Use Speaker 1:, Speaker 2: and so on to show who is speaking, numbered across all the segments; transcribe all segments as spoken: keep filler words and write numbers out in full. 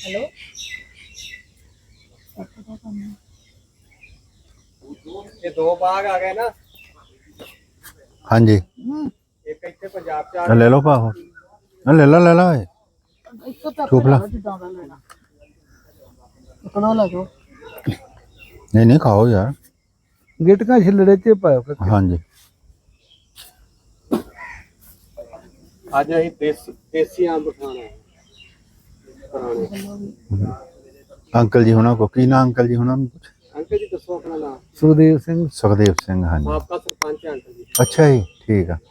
Speaker 1: Hello
Speaker 2: ये दो बाग आ गए ना।
Speaker 3: हाँ जी
Speaker 2: एक इतने पंजाब च
Speaker 3: ले लो पाहो ले लो ले लो चुप ला नहीं नहीं खाओ यार
Speaker 4: गिटका छिलड़े च पाओ
Speaker 3: हाँ जी
Speaker 2: आज अं देसी देसी अंब खाना है पुराने।
Speaker 3: अंकल जी होना को की ना अंकल जी होना
Speaker 2: अंकल जी दसो अपना नाम।
Speaker 4: सुखदेव सिंह
Speaker 3: सुखदेव सिंह हाँ जी
Speaker 2: आपका सरपंच है अंकल जी।
Speaker 3: अच्छा जी ठीक है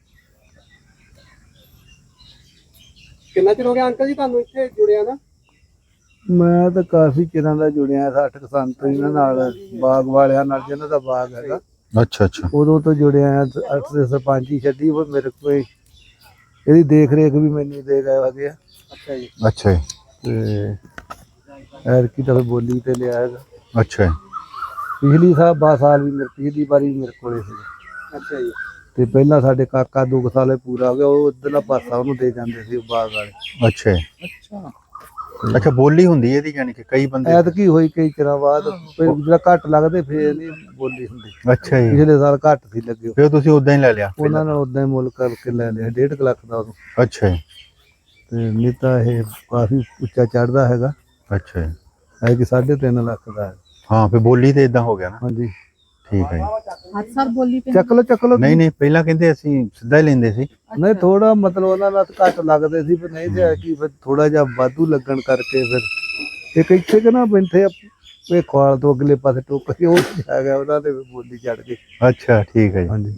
Speaker 2: कितना चिर हो गया अंकल जी ਤੁਹਾਨੂੰ ਇੱਥੇ ਜੁੜਿਆ ਨਾ।
Speaker 4: ਮੈਂ ਤਾਂ ਕਾਫੀ ਚਿਰਾਂ ਦਾ ਜੁੜਿਆ ਸੱਠ ਕੁ ਸਾਲ ਤੋਂ ਇਹਨਾਂ ਨਾਲ ਬਾਗ ਵਾਲਿਆਂ ਨਾਲ ਜਿਹਨਾਂ ਦਾ ਬਾਗ ਹੈਗਾ
Speaker 3: अच्छा अच्छा
Speaker 4: ਉਦੋਂ ਤੋਂ ਜੁੜਿਆ ਆ ਅੱਠ ਦੇ ਸਰਪੰਚੀ ਛੱਡੀ ਉਹ ਮੇਰੇ ਕੋਲ ਇਹਦੀ ਦੇਖ ਰੇਖ ਵੀ ਮੈਨੂੰ ਦੇ ਗਏ ਹੈਗੇ ਆ
Speaker 2: ਅੱਛਾ ਜੀ
Speaker 3: अच्छा जी
Speaker 4: ਤੇ ਐਰਕੀ ਤਾਂ ਫਿਰ ਬੋਲੀ ਤੇ ਲਿਆ ਹੈਗਾ
Speaker 3: अच्छा जी
Speaker 4: ਪਿਛਲੀ ਸਾਲ ਬਾਰਾਂ ਸਾਲ ਵੀ ਮੇਰੇ ਪਿਛਲੀ ਵਾਰੀ ਵੀ ਮੇਰੇ ਕੋਲੇ ਸੀ
Speaker 2: ਅੱਛਾ ਜੀ
Speaker 4: ਤੇ ਪਹਿਲਾਂ ਸਾਡੇ ਕਾਕਾ ਦੋ ਕੁ ਸਾਲੇ ਪੂਰਾ ਹੋ ਗਿਆ ਉਹ ਉਧਰਲਾ ਪਾਸਾ ਉਹਨੂੰ ਦੇ ਜਾਂਦੇ ਸੀ ਬਾਗ ਵਾਲੇ
Speaker 3: अच्छा जी
Speaker 2: ਅੱਛਾ
Speaker 3: अच्छा बोली ਹੁੰਦੀ ਇਹਦੀ ਯਾਨੀ ਕਿ ਕਈ ਬੰਦੇ
Speaker 4: ਐਤਕੀ ਹੋਈ ਕਈ ਚਿਰਾਂ ਬਾਅਦ ਫਿਰ ਜਿਹੜਾ ਘੱਟ ਲੱਗਦੇ ਫੇਰ ਨਹੀਂ ਬੋਲੀ ਹੁੰਦੀ
Speaker 3: ਅੱਛਾ ਜੀ
Speaker 4: ਪਿਛਲੇ ਸਾਲ ਘੱਟ ਸੀ ਲੱਗੇ
Speaker 3: ਫਿਰ ਤੁਸੀਂ ਉਦਾਂ ਹੀ ਲੈ ਲਿਆ
Speaker 4: ਉਹਨਾਂ ਨਾਲ ਉਦਾਂ ਹੀ ਮੁੱਲ ਕਰਕੇ ਲੈ ਲਿਆ ਡੇਢ ਕੁ ਲੱਖ ਦਾ ਉਦੋਂ
Speaker 3: ਅੱਛਾ ਜੀ
Speaker 4: ਤੇ ਨਹੀਂ ਤਾਂ ਇਹ ਕਾਫੀ ਉੱਚਾ ਚੜਦਾ ਹੈਗਾ
Speaker 3: ਅੱਛਾ ਜੀ
Speaker 4: ਹੈ ਕਿ ਸਾਢੇ ਤਿੰਨ ਲੱਖ ਦਾ ਹੈ
Speaker 3: ਹਾਂ ਫਿਰ ਬੋਲੀ ਤੇ ਇਦਾਂ ਹੋ ਗਿਆ ਨਾ
Speaker 4: ਹਾਂਜੀ
Speaker 3: ਠੀਕ ਹੈ ਜੀ
Speaker 1: हर साल बोली पे
Speaker 4: ਚੱਕ ਲੋ ਚੱਕ ਲੋ
Speaker 3: ਨਹੀਂ ਨਹੀਂ ਪਹਿਲਾਂ ਕਹਿੰਦੇ ਅਸੀਂ ਸਿੱਧਾ ਹੀ ਲੈਂਦੇ ਸੀ
Speaker 4: ਨਹੀਂ ਥੋੜਾ ਮਤਲਬ ਉਹਨਾਂ ਨਾਲ ਘੱਟ ਲੱਗਦੇ ਸੀ ਪਰ ਨਹੀਂ ਤੇ ਕੀ ਫਿਰ ਥੋੜਾ ਜਿਹਾ ਵਾਧੂ ਲੱਗਣ ਕਰਕੇ ਫਿਰ ਇੱਕ ਇੱਥੇ ਕਿ ਨਾ ਬੈਠੇ ਇਹ ਖਾਲ ਤੋਂ ਅਗਲੇ ਪਾਸੇ ਟੋਕ ਕੇ ਉਹ ਆ ਗਿਆ ਉਹਨਾਂ ਦੇ ਬੋਲੀ ਚੜ ਗਈ
Speaker 3: ਅੱਛਾ ਠੀਕ ਹੈ ਜੀ
Speaker 4: ਹਾਂਜੀ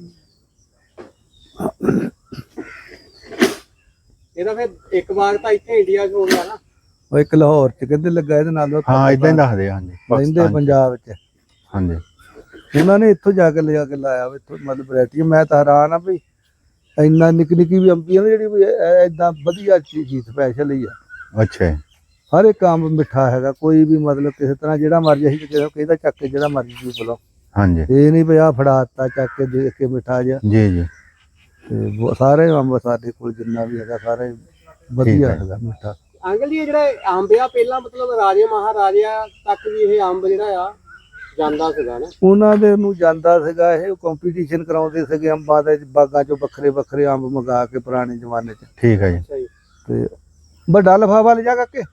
Speaker 2: ਇਹਦਾ ਫਿਰ ਇੱਕ ਬਾਗ ਤਾਂ ਇੱਥੇ ਇੰਡੀਆ 'ਚ ਹੋ ਗਿਆ ਨਾ।
Speaker 4: ਉਹ ਇੱਕ ਲਾਹੌਰ ਚ ਕਹਿੰਦੇ ਲੱਗਾ ਇਹਦੇ ਨਾਲ ਉਹ
Speaker 3: ਹਾਂ ਇਦਾਂ ਹੀ ਦੱਸਦੇ ਆ, ਹਾਂਜੀ
Speaker 4: ਰਹਿੰਦੇ
Speaker 3: ਪਾਕਿਸਤਾਨ 'ਚ।
Speaker 4: ਪੰਜਾਬ ਚ
Speaker 3: ਹਾਂਜੀ
Speaker 4: ਉਹਨਾਂ ਨੇ ਇੱਥੋਂ ਜਾ ਕੇ ਲਿਆ ਕੇ ਲਾਇਆ ਵਾ ਇੱਥੋਂ ਮਤਲਬ ਵੈਰਾਈਟੀ ਮੈਂ ਤਾਂ ਹੈਰਾਨ ਆ ਵੀ ਇੰਨਾ ਨਿੱਕੀ ਨਿੱਕੀ ਵੀ ਅੰਬੀਆਂ ਨੇ ਜਿਹੜੀ ਵੀ ਇਦਾਂ ਵਧੀਆ ਚੀਜ਼ ਸਪੈਸ਼ਲ ਹੀ ਆ
Speaker 3: ਅੱਛਾ ਜੀ
Speaker 4: ਹਰ ਇੱਕ ਅੰਬ ਮਿੱਠਾ ਹੈਗਾ ਕੋਈ ਵੀ ਮਤਲਬ ਕਿਸੇ ਤਰ੍ਹਾਂ ਜਿਹੜਾ ਮਰਜ਼ੀ ਅਸੀਂ ਕਿਸੇ ਨੂੰ ਕਹਿੰਦਾ ਚੱਕ ਕੇ ਜਿਹੜਾ ਮਰਜ਼ੀ ਚੀਜ਼ ਬੁਲਾਓ
Speaker 3: ਹਾਂਜੀ
Speaker 4: ਇਹ ਨਹੀਂ ਵੀ ਆ ਫੜਾਤਾ ਚੱਕ ਕੇ ਦੇਖ ਕੇ ਮਿੱਠਾ ਜਿਹਾ
Speaker 3: ਜੀ ਜੀ
Speaker 4: ਤੇ ਬਹੁ- ਸਾਰੇ ਅੰਬ ਸਾਡੇ ਕੋਲ ਜਿੰਨਾ ਵੀ ਹੈਗਾ ਸਾਰੇ ਵਧੀਆ
Speaker 3: ਹੈ।
Speaker 4: ਹੈਗਾ ਮਿੱਠਾ
Speaker 2: ਅੰਕਲ ਜੀ ਇਹ ਜਿਹੜਾ ਅੰਬ ਆ ਪਹਿਲਾਂ ਮਤਲਬ ਰਾਜੇ ਮਹਾਰਾਜਿਆਂ ਤੱਕ ਵੀ ਇਹ ਅੰਬ ਜਿਹੜਾ ਆ ਜਾਂਦਾ ਸੀਗਾ ਨਾ।
Speaker 4: ਉਹਨਾਂ ਦੇ ਨੂੰ ਜਾਂਦਾ ਸੀਗਾ ਇਹ ਕੰਪੀਟੀਸ਼ਨ ਕਰਾਉਂਦੇ ਸੀਗੇ ਅੰਬਾਂ ਦੇ ਬਾਗਾਂ ਚੋਂ ਵੱਖਰੇ ਵੱਖਰੇ ਅੰਬ ਮੰਗਾ ਕੇ ਪੁਰਾਣੇ ਜ਼ਮਾਨੇ 'ਚ
Speaker 3: ਠੀਕ ਹੈ ਜੀ
Speaker 2: ਅੱਛਾ ਜੀ
Speaker 4: ਤੇ ਵੱਡਾ ਲਿਫਾਫਾ ਲੈ ਜਾ ਕੇ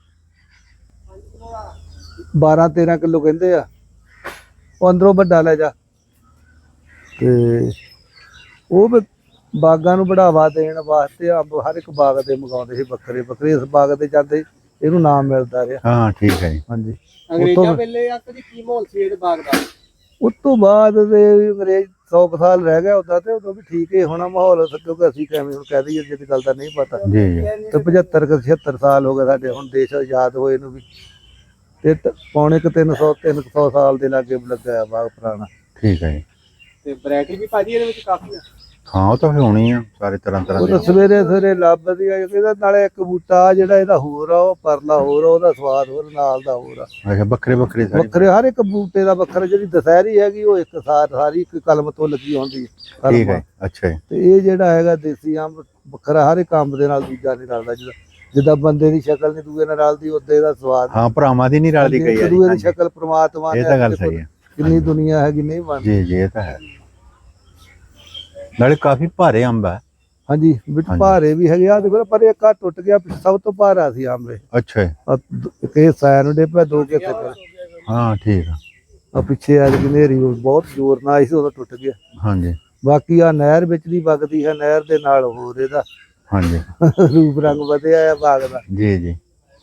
Speaker 4: ਬਾਰਾਂ ਤੇਰਾਂ ਕਿਲੋ ਕਹਿੰਦੇ ਆ ਉਹ ਅੰਦਰੋਂ ਵੱਡਾ ਲੈ ਜਾ ਤੇ ਉਹ ਵੀ ਬਾਗਾਂ ਨੂੰ ਬੜਾਵਾ ਦੇਣ ਵਾਸਤੇ ਅੰਬ ਹਰ ਇੱਕ ਬਾਗ ਦੇ ਮੰਗਾਉਂਦੇ ਸੀ ਵੱਖਰੇ ਵੱਖਰੇ ਇਸ ਬਾਗ ਦੇ ਜਾਂਦੇ ਇਹਨੂੰ ਨਾਮ ਮਿਲਦਾ ਰਿਹਾ
Speaker 3: ਹਾਂ ਠੀਕ ਹੈ ਜੀ
Speaker 4: ਹਾਂਜੀ
Speaker 2: ਅੰਗਰੇਜ਼ਾਂ ਵੇਲੇ ਅੰਕਲ ਜੀ ਕੀ ਮਾਹੌਲ ਸੀ ਇਹਦੇ ਬਾਗ ਦਾ।
Speaker 4: ਉਸ ਤੋਂ ਬਾਅਦ ਦੇ ਅੰਗਰੇਜ਼ ਸੌ ਕੁ ਸਾਲ ਰਹਿ ਗਿਆ ਉਦਾਂ ਤੇ ਉਦੋਂ ਵੀ ਠੀਕ ਹੀ ਹੋਣਾ ਮਾਹੌਲ ਕਿਉਂਕਿ ਅਸੀਂ ਕਿਵੇਂ ਹੁਣ ਕਹਿ ਦਈਏ ਜਿਹੜੀ ਗੱਲ ਦਾ ਨਹੀਂ ਪਤਾ
Speaker 3: ਜੀ ਜੀ
Speaker 4: ਤੇ ਪਝੱਤਰ ਕੁ ਛਿਅੱਤਰ ਸਾਲ ਹੋ ਗਏ ਸਾਡੇ ਹੁਣ ਦੇਸ਼ ਆਜ਼ਾਦ ਹੋਏ ਨੂੰ ਵੀ ਤੇ ਤ- ਪੌਣੇ ਕੁ ਤਿੰਨ ਸੌ ਤਿੰਨ ਕੁ ਸੌ ਸਾਲ ਦੇ ਲਾਗੇ ਲੱਗਾ ਬਾਗ ਪੁਰਾਣਾ
Speaker 3: ਠੀਕ ਹੈ ਜੀ
Speaker 2: ਤੇ ਵੈਰਾਈਟੀ ਵੀ ਭਾਜੀ ਇਹਦੇ ਵਿੱਚ ਕਾਫੀ ਆ।
Speaker 3: ਹਾਂ ਉਹ ਤਾਂ ਫਿਰ ਹੋਣੀ ਆ ਸਾਰੇ ਤਰ੍ਹਾਂ ਤਰ੍ਹਾਂ
Speaker 4: ਉਹ
Speaker 3: ਦੇ
Speaker 4: ਤਾਂ ਸਵੇਰੇ ਸਵੇਰੇ ਲੱਭਦੀ ਆ ਇਹਦਾ ਨਾਲੇ ਇੱਕ ਬੂਟਾ ਜਿਹੜਾ ਇਹਦਾ ਹੋਰ ਆ ਉਹ ਪਰਲਾ ਹੋਰ ਆ ਉਹਦਾ ਸਵਾਦ ਹੋਰ ਨਾਲ ਦਾ ਹੋਰ ਆ
Speaker 3: ਅੱਛਾ ਵੱਖਰੇ ਵੱਖਰੇ ਸਾਰੇ
Speaker 4: ਵੱਖਰੇ ਹਰ ਇੱਕ ਬੂਟੇ ਦਾ ਵੱਖਰਾ ਜਿਹੜੀ ਦਸ਼ਹਿਰੀ ਹੈਗੀ ਉਹ ਇੱਕ ਸਾਰ ਸਾਰੀ ਇੱਕ ਕਲਮ ਤੋਂ ਲੱਗੀ ਹੁੰਦੀ ਹੈ ਕਲਮ
Speaker 3: ਠੀਕ ਹੈ ਅੱਛਾ ਜੀ
Speaker 4: ਤੇ ਇਹ ਜਿਹੜਾ ਹੈਗਾ ਦੇਸੀ ਅੰਬ ਵੱਖਰਾ ਹਰ ਇੱਕ ਅੰਬ ਦੇ ਨਾਲ ਦੂਜਾ ਨਹੀਂ ਰਲਦਾ ਜਿੱਦਾਂ ਜਿੱਦਾਂ ਬੰਦੇ ਦੀ ਸ਼ਕਲ ਨਹੀਂ ਦੂਏ ਨਾਲ ਰਲਦੀ ਉਦਾਂ ਇਹਦਾ ਸਵਾਦ
Speaker 3: ਹਾਂ ਭਰਾਵਾਂ ਦੀ ਨਹੀਂ ਰਲਦੀ ਕਈ
Speaker 4: ਇੱਕ
Speaker 3: ਵਾਰੀ
Speaker 4: ਦੂਏ ਦੀ
Speaker 3: ਹਾਂਜੀ।
Speaker 4: ਸ਼ਕਲ ਪ੍ਰਮਾਤਮਾ
Speaker 3: ਇਹ
Speaker 4: ਨੇ
Speaker 3: ਤਾਂ ਗੱਲ
Speaker 4: ਆਪਣੇ
Speaker 3: ਸਹੀ ਹੈ
Speaker 4: ਕਿੰਨੀ ਦੁਨੀਆ ਹੈਗੀ ਨਹੀਂ ਬਣਦੀ
Speaker 3: ਜੀ ਜੀ ਇਹ ਤਾਂ ਹੈ ਨਾਲੇ ਕਾਫੀ ਭਾਰੇ ਅੰਬ ਹੈ
Speaker 4: ਹਾਂਜੀ ਵਿੱਚ
Speaker 3: ਹਾਂਜੀ।
Speaker 4: ਭਾਰੇ ਵੀ ਹੈਗੇ ਆ ਦੇਖੋ ਪਰ ਇੱਕ ਆ ਟੁੱਟ ਗਿਆ ਸਭ ਤੋਂ ਭਾਰਾ ਸੀ ਅੰਬ ਇਹ
Speaker 3: ਅੱਛਾ ਜੀ
Speaker 4: ਆਹ ਦ- ਇੱਕ ਇਹ ਸਾਇਨ ਡੇ ਪਿਆ ਦੋ ਕਿਤੇ ਪਿਆ
Speaker 3: ਹਾਂ ਠੀਕ ਆ
Speaker 4: ਆ ਪਿੱਛੇ ਆ ਜਿਹੜੀ ਹਨੇਰੀ ਉਹ ਬਹੁਤ ਜ਼ੋਰ ਨਾਲ ਆਈ ਸੀ ਉਦੋਂ ਟੁੱਟ ਗਿਆ
Speaker 3: ਹਾਂਜੀ
Speaker 4: ਬਾਕੀ ਆ ਨਹਿਰ ਵਿੱਚ ਦੀ ਵਗਦੀ ਹੈ ਨਹਿਰ ਦੇ ਨਾਲ ਹੋਰ ਇਹਦਾ
Speaker 3: ਹਾਂਜੀ
Speaker 4: ਰੂਪ ਰੰਗ ਵਧਿਆ ਆ ਬਾਗ ਦਾ
Speaker 3: ਜੀ ਜੀ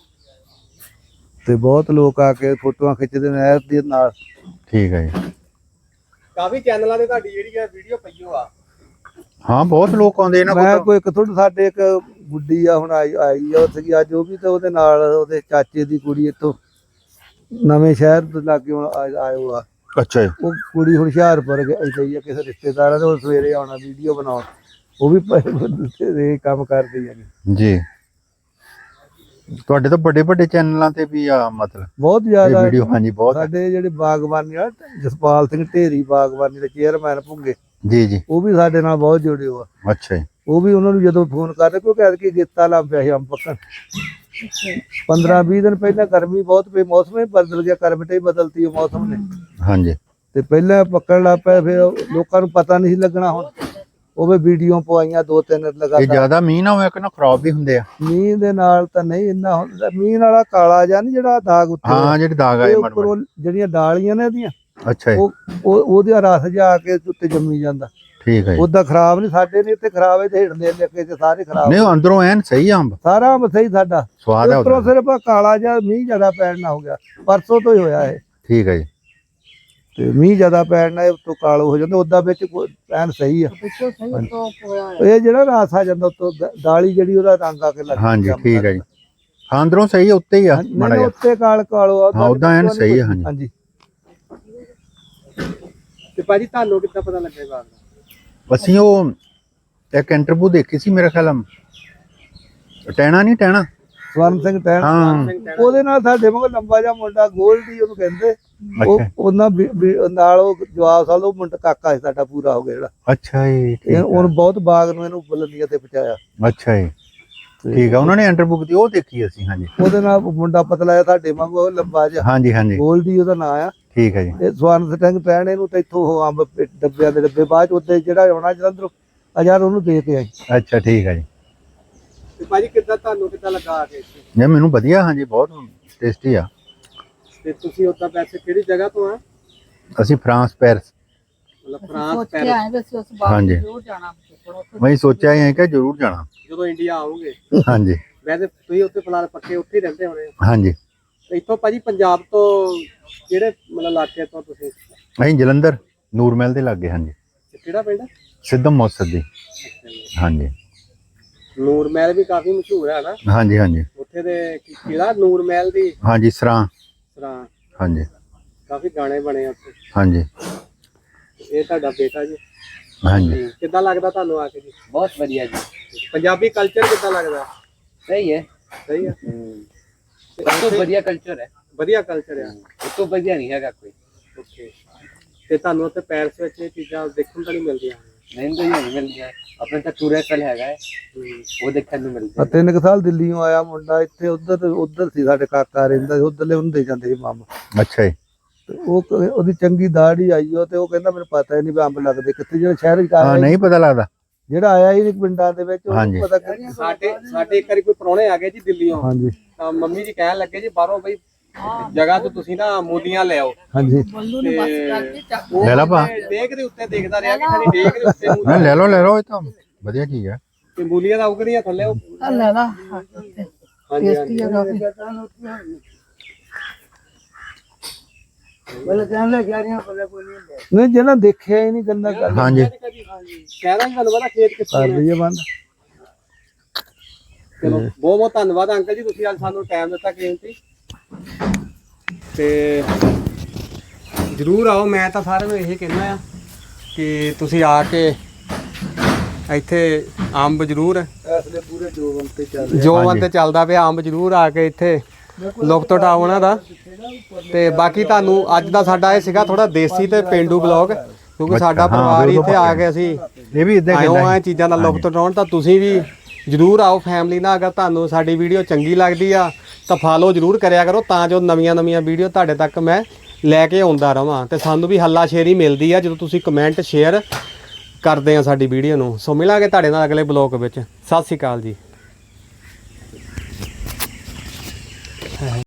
Speaker 4: ਤੇ ਬਹੁਤ ਲੋਕ ਆ ਕੇ ਫੋਟੋਆਂ ਖਿੱਚਦੇ ਨਹਿਰ ਦੇ ਨਾਲ
Speaker 3: ਠੀਕ ਹੈ ਜੀ
Speaker 2: ਕਾਫੀ ਚੈਨਲਾਂ ਤੇ ਤੁਹਾਡੀ ਜਿਹੜੀ ਆ ਵੀਡੀਓ ਪਈ ਹੋ ਆ।
Speaker 3: ਹਾਂ ਬਹੁਤ ਲੋਕ ਆਉਂਦੇ ਇਹਨਾਂ
Speaker 4: ਮੈਂ
Speaker 3: ਕੋਲ
Speaker 4: ਕੋਈ ਇੱਕ ਥੋੜੀ ਸਾਡੇ ਇੱਕ ਗੁੱਡੀ ਆ ਹੁਣ ਆਈ ਆਈ ਆ ਉੱਥੇ ਅੱਜ ਉਹ ਵੀ ਤੇ ਉਹਦੇ ਨਾਲ ਉਹਦੇ ਚਾਚੇ ਦੀ ਕੁੜੀ ਇੱਥੋਂ ਨਵੇਂ ਸ਼ਹਿਰ ਤੋਂ ਲਾਗੇ ਹੁਣ ਆ- ਆਇਓ ਆ
Speaker 3: ਅੱਛਾ ਜੀ
Speaker 4: ਉਹ ਕੁੜੀ ਹੁਸ਼ਿਆਰਪੁਰ ਗਈ ਆ ਕਿਸੇ ਰਿਸ਼ਤੇਦਾਰਾਂ ਦੇ ਉਹ ਸਵੇਰੇ ਆਉਣਾ ਵੀਡੀਓ ਬਣਾਉਣ ਉਹ ਵੀ ਪਏ ਇਹ ਕੰਮ ਕਰਦੀ ਆ
Speaker 3: ਜੀ ਤੁਹਾਡੇ ਤਾਂ ਵੱਡੇ ਵੱਡੇ ਚੈਨਲਾਂ ਤੇ ਵੀ ਆ ਮਤਲਬ
Speaker 4: ਬਹੁਤ
Speaker 3: ਇਹ
Speaker 4: ਜ਼ਿਆਦਾ
Speaker 3: ਵੀਡੀਓ ਹਾਂਜੀ ਬਹੁਤ ਹੈ।
Speaker 4: ਸਾਡੇ ਜਿਹੜੇ ਬਾਗਬਾਨੀ ਆ ਜਸਪਾਲ ਸਿੰਘ ਢੇਰੀ ਬਾਗਬਾਨੀ ਦੇ ਚੇਅਰਮੈਨ ਭੁੰਗੇ
Speaker 3: ਜੀ ਜੀ
Speaker 4: ਉਹ ਵੀ ਸਾਡੇ ਨਾਲ ਬਹੁਤ ਜੁੜੇ ਹੋ ਆ
Speaker 3: ਅੱਛਾ ਜੀ
Speaker 4: ਉਹ ਵੀ ਉਹਨਾਂ ਨੂੰ ਜਦੋਂ ਫੋਨ ਕਰਦੇ ਕਿਉਂਕਿ ਐਤਕੀ ਗੇਤਾ ਲੱਗ ਪਿਆ ਸੀ ਅੰਬ ਪੱਕਣ ਪੰਦਰਾਂ ਵੀਹ ਦਿਨ ਪਹਿਲਾਂ ਗਰਮੀ ਬਹੁਤ ਪਈ ਮੌਸਮ ਹੀ ਬਦਲ ਗਿਆ ਕਰਵਟ ਹੀ ਬਦਲਤੀ ਉਹ ਮੌਸਮ ਨੇ
Speaker 3: ਹਾਂਜੀ
Speaker 4: ਤੇ ਪਹਿਲਾਂ ਪੱਕਣ ਲੱਗ ਪਿਆ ਫਿਰ ਲੋਕਾਂ ਨੂੰ ਪਤਾ ਨਹੀਂ ਸੀ ਲੱਗਣਾ ਹੁਣ ਉਹ ਵੀ ਵੀਡੀਓ ਪਵਾਈਆਂ ਦੋ ਤਿੰਨ
Speaker 3: ਇਹ
Speaker 4: ਲਗਾਤਾਰ
Speaker 3: ਜ਼ਿਆਦਾ ਮੀਂਹ ਨਾ ਹੋਇਆ ਕਿ ਨਾ ਖਰਾਬ ਵੀ ਹੁੰਦੇ ਆ
Speaker 4: ਮੀਂਹ ਦੇ ਨਾਲ ਤਾਂ ਨਹੀਂ ਇੰਨਾ ਹੁੰਦਾ ਮੀਂਹ ਵਾਲਾ ਕਾਲਾ ਜਿਹਾ ਨੀ ਜਿਹੜਾ ਦਾਗ ਉੱਤੇ
Speaker 3: ਹਾਂ ਜਿਹੜੇ ਦਾਗ
Speaker 4: ਇਹ
Speaker 3: ਆਏ ਮੜ
Speaker 4: ਉੱਪਰੋਂ ਜਿਹੜੀਆਂ ਡਾਲੀਆਂ ਨੇ ਇਹਦੀਆਂ
Speaker 3: ਅੱਛਾ ਜੀ
Speaker 4: ਉਹ ਉਹ- ਉਹਦਾ ਰਸ ਜਾ ਆ ਕੇ ਉੱਤੇ ਜੰਮੀ ਜਾਂਦਾ
Speaker 3: ਠੀਕ ਹੈ ਜੀ
Speaker 4: ਉਹਦਾ ਖਰਾਬ ਨਹੀਂ ਸਾਡੇ ਨੇ ਇੱਥੇ ਖਰਾਬ ਹੈ ਤੇ ਹਿੜਦੇ ਲੱਗੇ ਤੇ ਸਾਰੇ ਖਰਾਬ
Speaker 3: ਨਹੀਂ ਉਹ ਅੰਦਰੋਂ ਐਨ ਸਹੀ ਆ ਅੰਬ
Speaker 4: ਸਾਰਾ ਅੰਬ ਸਹੀ ਸਾਡਾ
Speaker 3: ਸਵਾਦ ਆ
Speaker 4: ਉੱਪਰੋਂ
Speaker 3: ਉਹਦਾ
Speaker 4: ਸਿਰਫ ਆਹ ਕਾਲਾ ਜਿਹਾ ਮੀਂਹ ਜ਼ਿਆਦਾ ਪੈਣ ਨਾ ਹੋ ਗਿਆ ਪਰਸੋਂ ਤੋਂ ਹੀ ਹੋਇਆ ਇਹ
Speaker 3: ਠੀਕ ਹੈ ਜੀ
Speaker 4: ਤੇ ਮੀਂਹ ਜ਼ਿਆਦਾ ਪੈਣ ਨਾਲ ਇਹ ਉੱਤੋਂ ਕਾਲੋ ਹੋ ਜਾਂਦਾ ਉਹਦਾ ਵਿੱਚ ਕੋਈ ਐਨ ਸਹੀ ਆ ਇਹ ਜਿਹੜਾ ਰਸ ਆ ਜਾਂਦਾ ਉੱਤੋਂ ਦ- ਦਾਲੀ ਜਿਹੜੀ ਉਹਦਾ ਰੰਗ ਆ ਕੇ ਲੱਗ
Speaker 3: ਹਾਂਜੀ ਠੀਕ ਹੈ ਜੀ ਹਾਂ ਅੰਦਰੋਂ ਸਹੀ ਆ, ਉੱਤੇ ਹੀ ਆ
Speaker 4: ਨਹੀਂ,
Speaker 3: ਮਾੜਾ
Speaker 4: ਨਹੀਂ,
Speaker 3: ਜਿਹਾ
Speaker 4: ਉੱਤੇ ਕਾਲ ਕਾਲੋ ਆ
Speaker 3: ਹਾਂ, ਉੱਦਾਂ ਐਨ ਸਹੀ ਆ, ਹਾਂਜੀ।
Speaker 4: ਹਾਂਜੀ
Speaker 2: ਤੇ ਭਾਜੀ ਤੁਹਾਨੂੰ ਕਿੱਦਾਂ ਪਤਾ ਲੱਗਾ ਇਹ ਬਾਤ ਦਾ?
Speaker 3: ਅਸੀਂ ਉਹ ਇੱਕ ਇੰਟਰਵਿਊ ਦੇਖੀ ਸੀ ਮੇਰੇ ਖਿਆਲ ਟੈਣਾ ਨਹੀਂ ਟੈਣਾ
Speaker 4: ਸਵਰਨ ਸਿੰਘ ਟੈਣ
Speaker 3: ਹਾਂ
Speaker 4: ਉਹਦੇ ਨਾਲ ਸਾਡੇ ਮਗਰ ਲੰਬਾ ਜਿਹਾ ਮੁੰਡਾ ਗੋਲਡੀ ਉਹਨੂੰ ਕਹਿੰਦੇ ਉਹ
Speaker 3: ਅੱਛਾ
Speaker 4: ਉਹਨਾਂ ਵੀ- ਵੀ ਨਾਲ ਉਹ ਜਵਾਬ ਸਾਲ ਉਹ ਮੁੰਡਾ ਕਾਕਾ ਸੀ ਸਾਡਾ ਪੂਰਾ ਹੋ ਗਿਆ ਜਿਹੜਾ
Speaker 3: ਅੱਛਾ ਜੀ
Speaker 4: ਇਹ
Speaker 3: ਠੀਕ
Speaker 4: ਉਹਨੂੰ ਬਹੁਤ ਬਾਗ ਨੂੰ ਇਹਨੂੰ ਬੁਲੰਦੀਆਂ ਤੇ ਪਹੁੰਚਾਇਆ
Speaker 3: ਆ ਅੱਛਾ ਜੀ ਠੀਕ ਆ ਉਹਨਾਂ ਨੇ ਇੰਟਰਵਿਊ ਕੀਤੀ ਉਹ ਦੇਖੀ ਅਸੀਂ ਹਾਂਜੀ
Speaker 4: ਉਹਦੇ ਨਾਲ ਮੁੰਡਾ ਪਤਲਾ ਜਿਹਾ ਸਾਡੇ ਵਾਂਗੂ ਉਹ ਲੰਬਾ ਜਿਹਾ
Speaker 3: ਹਾਂਜੀ ਹਾਂਜੀ
Speaker 4: ਗੋਲਡੀ ਉਹਦਾ ਨਾਂ ਆ
Speaker 3: ਠੀਕ ਹੈ ਜੀ
Speaker 4: ਇਹ ਸਵਰਨ ਸਿੰਘ ਟੈਣ ਇਹਨੂੰ ਤੇ ਇੱਥੋਂ ਉਹ ਅੰਬ ਪੇ- ਡੱਬਿਆਂ ਦੇ ਡੱਬੇ ਬਾਅਦ ਚ ਉੱਤੇ ਜਿਹੜਾ ਆਉਣਾ ਜਲੰਧਰੋਂ ਹਜ਼ਾਰ ਉਹਨੂੰ ਦੇ ਕੇ ਆਈ
Speaker 3: ਅੱਛਾ ਠੀਕ ਹੈ ਜੀ
Speaker 2: ਤੇ ਭਾਜੀ ਕਿੱਦਾਂ ਤੁਹਾਨੂੰ ਕਿੱਦਾਂ ਲੱਗਾ ਆ ਕੇ ਇੱਥੇ?
Speaker 3: ਨਹੀਂ ਮੈਨੂੰ ਵਧੀਆ ਹਾਂਜੀ ਬਹੁਤ ਟੇਸਟੀ ਆ
Speaker 2: ਤੇ ਤੁਸੀਂ ਉੱਦਾਂ ਪੈਸੇ ਕਿਹੜੀ ਜਗ੍ਹਾ ਤੋਂ ਆ
Speaker 3: ਅਸੀਂ ਫਰਾਂਸ ਪੈਰਿਸ
Speaker 2: ਮਤਲਬ ਫਰਾਂਸ
Speaker 1: ਸੋਚ ਕੇ
Speaker 2: ਪੈਰਿਸ
Speaker 1: ਆਏ ਵੀ ਅਸੀਂ ਉਸ ਬਾਗ
Speaker 3: ਹਾਂਜੀ।
Speaker 1: ਜ਼ਰੂਰ ਜਾਣਾ ਉੱਥੇ।
Speaker 3: ਮੈਂ ਸੋਚਿਆ ਹੀ ਹੈ ਕਿ ਜ਼ਰੂਰ ਜਾਣਾ
Speaker 2: ਜਦੋਂ ਇੰਡੀਆ ਆਓਗੇ
Speaker 3: ਹਾਂਜੀ
Speaker 2: ਵੈਸੇ ਤੁਸੀਂ ਉੱਥੇ ਫਿਲਹਾਲ ਪੱਕੇ ਉੱਥੇ ਹੀ ਰਹਿੰਦੇ ਹੋਣੇ ਹੋ।
Speaker 3: ਹਾਂਜੀ
Speaker 2: ਤੇ ਇੱਥੋਂ ਭਾਜੀ ਪੰਜਾਬ ਤੋਂ ਕਿਹੜੇ ਮਤਲਬ ਇਲਾਕੇ ਤੋਂ ਤੁਸੀਂ
Speaker 3: ਅਸੀਂ ਜਲੰਧਰ ਨੂਰਮਹਿਲ ਦੇ ਲਾਗੇ ਹਾਂਜੀ
Speaker 2: ਤੇ ਕਿਹੜਾ ਪਿੰਡ ਹੈ?
Speaker 3: ਸਿੱਧਮ ਮੌਸਦ ਦੀ ਹਾਂਜੀ
Speaker 2: ਨੂਰ ਮਹਿਲ ਵੀ ਕਾਫੀ ਮਸ਼ਹੂਰ ਹੈ ਨਾ
Speaker 3: ਹਾਂਜੀ ਹਾਂਜੀ
Speaker 2: ਉੱਥੇ ਦੇ ਕੀ- ਕਿਹੜਾ ਨੂਰ ਮਹਿਲ ਦੀ
Speaker 3: ਹਾਂਜੀ ਸਰਾਂ
Speaker 2: ਸਰਾਂ
Speaker 3: ਹਾਂਜੀ
Speaker 2: ਕਾਫੀ ਗਾਣੇ ਬਣੇ ਆ ਉੱਥੇ।
Speaker 3: ਹਾਂਜੀ
Speaker 2: ਇਹ ਤੁਹਾਡਾ ਬੇਟਾ ਜੀ
Speaker 3: ਹਾਂਜੀ
Speaker 2: ਕਿੱਦਾਂ ਲੱਗਦਾ ਤੁਹਾਨੂੰ ਆ ਕੇ ਜੀ?
Speaker 5: बहुत बढ़िया जी
Speaker 2: ਪੰਜਾਬੀ ਕਲਚਰ ਕਿੱਦਾਂ ਲੱਗਦਾ?
Speaker 5: सही है
Speaker 2: ਸਹੀ ਆ
Speaker 5: सब तो बढ़िया कल्चर है
Speaker 2: ਵਧੀਆ ਕਲਚਰ ਆ
Speaker 5: वो तो बढ़िया नहीं है कोई
Speaker 2: ਓਕੇ ਤੇ ਤੁਹਾਨੂੰ ਉੱਥੇ ਪੈਰਿਸ ਵਿੱਚ ਇਹ ਚੀਜ਼ਾਂ ਦੇਖਣ ਤਾਂ ਨਹੀਂ ਮਿਲਦੀਆਂ?
Speaker 5: नहीं तो ये नहीं मिल गया अपने तो टूरिस्ट है वो देखने को मिलता
Speaker 4: ਆ ਤਿੰਨ ਕੁ ਸਾਲ ਦਿੱਲੀੋਂ ਆਇਆ ਮੁੰਡਾ ਇੱਥੇ ਉਧਰ ਉਧਰ ਸੀ ਸਾਡੇ ਕਾਕਾ ਰਹਿੰਦਾ ਸੀ ਉਧਰਲੇ ਉਹਨੂੰ ਦੇ ਜਾਂਦੇ ਸੀ ਮਾਮਾ
Speaker 3: ਅੱਛਾ ਜੀ
Speaker 4: ਤੇ ਉਹ ਕ- ਉਹਦੀ ਚੰਗੀ ਦਾੜੀ ਆਈ ਉਹ ਤੇ ਉਹ ਕਹਿੰਦਾ ਮੈਨੂੰ ਪਤਾ ਹੀ ਨਹੀਂ ਵੀ ਅੰਬ ਲੱਗਦੇ ਕਿੱਥੇ ਜਿਹੜਾ ਸ਼ਹਿਰ ਚ
Speaker 3: ਹਾਂ
Speaker 4: ਆਇਆ
Speaker 3: ਨਹੀਂ ਪਤਾ ਲੱਗਦਾ
Speaker 4: ਜਿਹੜਾ ਆਇਆ ਹੀ ਨਹੀਂ ਪਿੰਡਾਂ ਦੇ ਵਿੱਚ
Speaker 3: ਹਾਂਜੀ।
Speaker 4: ਉਹਨੂੰ ਪਤਾ ਕਿ
Speaker 2: ਸਾਡੇ ਸਾਡੇ ਇੱਕ ਵਾਰੀ ਕੋਈ ਪ੍ਰਾਹੁਣੇ ਆ ਗਏ ਜੀ ਦਿੱਲੀੋਂ
Speaker 4: ਹਾਂਜੀ
Speaker 2: ਤਾਂ ਮੰਮੀ ਜੀ ਕਹਿਣ ਲੱਗੇ ਜੀ ਬਾਹਰੋਂ ਬਈ ਜਗ੍ਹਾ ਤੋਂ ਤੁਸੀਂ ਨਾ ਮੂਲੀਆਂ ਲੈ ਆਓ
Speaker 4: ਹਾਂਜੀ
Speaker 1: ਬੱਲੂ ਨੇ ਬਸ ਕਰਕੇ ਚੱਕ
Speaker 2: ਉਹ
Speaker 3: ਲੈ ਲਾ ਭਾ।
Speaker 2: ਮੈਂ ਡੇਕ ਦੇ ਉੱਤੇ ਦੇਖਦਾ ਰਿਹਾ ਕਿ ਸਾਡੀ ਡੇਕ ਦੇ ਉੱਤੇ
Speaker 3: ਨਾ
Speaker 2: ਮੂਲੀਆਂ
Speaker 3: ਲੈ ਲਓ ਲੈ ਲਓ ਇਹ ਤਾਂ ਵਧੀਆ ਚੀਜ਼ ਹੈ
Speaker 2: ਤੇ ਮੂਲੀਆਂ ਦਾ ਉਗਦੀਆਂ ਥੱਲੇ ਉਹ
Speaker 1: ਆ ਲੈ ਲਾ
Speaker 2: ਹਾਂਜੀ
Speaker 1: ਟੇਸਟੀ
Speaker 2: ਹਾਂਜੀ
Speaker 1: ਹੈ ਕਾਫੀ
Speaker 4: ਨਹੀਂ ਜਿਹਨਾਂ ਦੇਖਿਆ ਹੀ ਨਹੀਂ ਗੰਦਾ ਕਰ
Speaker 3: ਹਾਂਜੀ
Speaker 2: ਸ਼ਹਿਰਾਂ 'ਚ ਤੁਹਾਨੂੰ ਪਤਾ ਖੇਤ ਕਿੱਥੇ
Speaker 4: ਕਰ
Speaker 2: ਨੇ।
Speaker 4: ਲਈਏ ਬੰਦ
Speaker 2: ਚਲੋ ਬਹੁਤ ਬਹੁਤ ਧੰਨਵਾਦ ਅੰਕਲ ਜੀ ਤੁਸੀਂ ਅੱਜ ਸਾਨੂੰ ਟਾਈਮ ਦਿੱਤਾ ਕੀਮਤੀ ਤੇ ਜਰੂਰ ਆਓ ਮੈਂ ਤਾਂ ਸਾਰਿਆਂ ਨੂੰ ਇਹ ਕਹਿਣਾ ਆ ਕਿ ਤੁਸੀਂ ਆ ਕੇ ਇੱਥੇ ਅੰਬ ਜਰੂਰ
Speaker 4: ਐਸਲੇ ਪੂਰੇ ਜੋਵਨ ਤੇ ਚੱਲ
Speaker 2: ਜੋਵਨ ਤੇ ਚੱਲਦਾ ਪਿਆ ਅੰਬ ਜਰੂਰ ਆ ਕੇ ਇੱਥੇ ਲੁਕਤ ਉਠਾਓ ਉਹਨਾਂ ਦਾ ਤੇ ਬਾਕੀ ਤੁਹਾਨੂੰ ਅੱਜ ਦਾ ਸਾਡਾ ਇਹ ਸੀਗਾ ਥੋੜਾ ਦੇਸੀ ਤੇ ਪੇਂਡੂ ਬਲੌਗ ਕਿਉਂਕਿ ਸਾਡਾ
Speaker 3: ਹਾਂ,
Speaker 2: ਪਰਿਵਾਰ ਹੀ
Speaker 3: ਬਿਲਕੁਲ
Speaker 2: ਇੱਥੇ ਆ ਕੇ ਅਸੀਂ
Speaker 3: ਇਹ ਵੀ ਇਦਾਂ
Speaker 2: ਆਇਓ
Speaker 3: ਕਹਿੰਦਾ
Speaker 2: ਆ ਚੀਜ਼ਾਂ ਦਾ ਲੁਕਤ ਉਠਾਉਣ ਤਾਂ ਤੁਸੀਂ ਵੀ ਜਰੂਰ ਆਓ ਫੈਮਿਲੀ ਨਾਲ ਅਗਰ ਤੁਹਾਨੂੰ ਸਾਡੀ ਵੀਡੀਓ ਚੰਗੀ ਲੱਗਦੀ ਆ ਤਾਂ ਫਾਲੋ ਜਰੂਰ ਕਰਿਆ ਕਰੋ ਤਾਂ ਜੋ ਨਵੀਆਂ ਨਵੀਆਂ ਵੀਡੀਓ ਤੁਹਾਡੇ ਤੱਕ ਮੈਂ ਲੈ ਕੇ ਆਉਂਦਾ ਰਵਾਂ ਤੇ ਸਾਨੂੰ ਵੀ ਹੱਲਾ ਸ਼ੇਰੀ ਮਿਲਦੀ ਆ ਜਦੋਂ ਤੁਸੀਂ ਕਮੈਂਟ ਸ਼ੇਅਰ ਕਰਦੇ ਆ ਸਾਡੀ ਵੀਡੀਓ ਨੂੰ ਸੋ ਮਿਲਾਂਗੇ ਤੁਹਾਡੇ ਨਾਲ ਅਗਲੇ ਬਲੌਗ ਵਿੱਚ ਸਤਿ ਸ਼੍ਰੀ ਅਕਾਲ ਜੀ